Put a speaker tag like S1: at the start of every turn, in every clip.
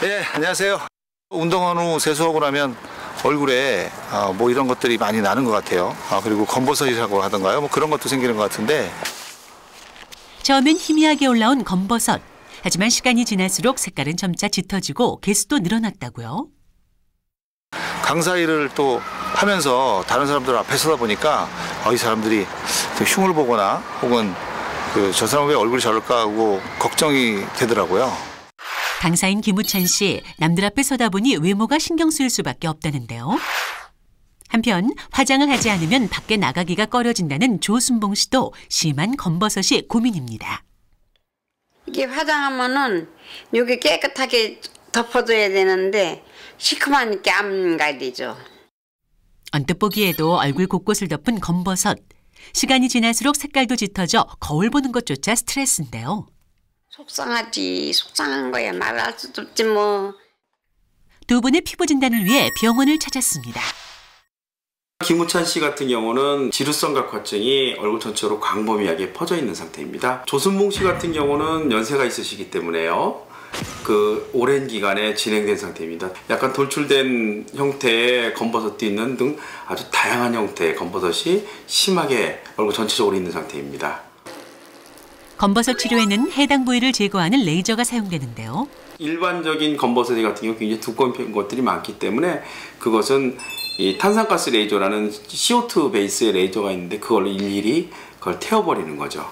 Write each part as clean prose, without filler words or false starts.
S1: 네, 안녕하세요. 운동한 후 세수하고 나면 얼굴에 뭐 이런 것들이 많이 나는 것 같아요. 그리고 검버섯이라고 하던가요? 뭐 그런 것도 생기는 것 같은데.
S2: 처음엔 희미하게 올라온 검버섯. 하지만 시간이 지날수록 색깔은 점차 짙어지고 개수도 늘어났다고요.
S1: 강사 일을 또 하면서 다른 사람들 앞에 서다 보니까 이 사람들이 흉을 보거나 혹은 저 사람 왜 얼굴이 저럴까 하고 걱정이 되더라고요.
S2: 강사인 김우찬 씨, 남들 앞에 서다 보니 외모가 신경 쓰일 수밖에 없다는데요. 한편 화장을 하지 않으면 밖에 나가기가 꺼려진다는 조순봉 씨도 심한 검버섯이 고민입니다.
S3: 이게 화장하면은 여기 깨끗하게 덮어줘야 되는데 시커먼게 안 가리죠.
S2: 언뜻 보기에도 얼굴 곳곳을 덮은 검버섯. 시간이 지날수록 색깔도 짙어져 거울 보는 것조차 스트레스인데요.
S3: 속상하지. 속상한 거야. 말할 수도 없지 뭐.
S2: 두 분의 피부 진단을 위해 병원을 찾았습니다.
S4: 김우찬 씨 같은 경우는 지루성각화증이 얼굴 전체로 광범위하게 퍼져 있는 상태입니다. 조순봉 씨 같은 경우는 연세가 있으시기 때문에요. 오랜 기간에 진행된 상태입니다. 약간 돌출된 형태의 검버섯도 있는 등 아주 다양한 형태의 검버섯이 심하게 얼굴 전체적으로 있는 상태입니다.
S2: 검버섯 치료에는 해당 부위를 제거하는 레이저가 사용되는데요.
S4: 일반적인 검버섯 같은 경우 굉장히 두꺼운 것들이 많기 때문에 그것은 이 탄산가스 레이저라는 CO2 베이스의 레이저가 있는데 그걸로 일일이 그걸 태워버리는 거죠.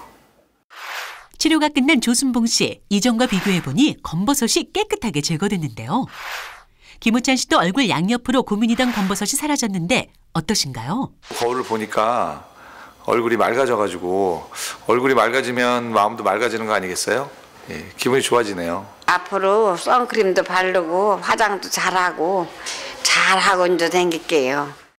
S2: 치료가 끝난 조순봉 씨, 이전과 비교해보니 검버섯이 깨끗하게 제거됐는데요. 김우찬 씨도 얼굴 양옆으로 고민이던 검버섯이 사라졌는데 어떠신가요?
S1: 거울을 보니까 얼굴이 맑아져가지고 얼굴이 맑아지면 마음도 맑아지는 거 아니겠어요? 예, 기분이 좋아지네요.
S3: 앞으로 선크림도 바르고 화장도 잘하고 이제 다닐게요.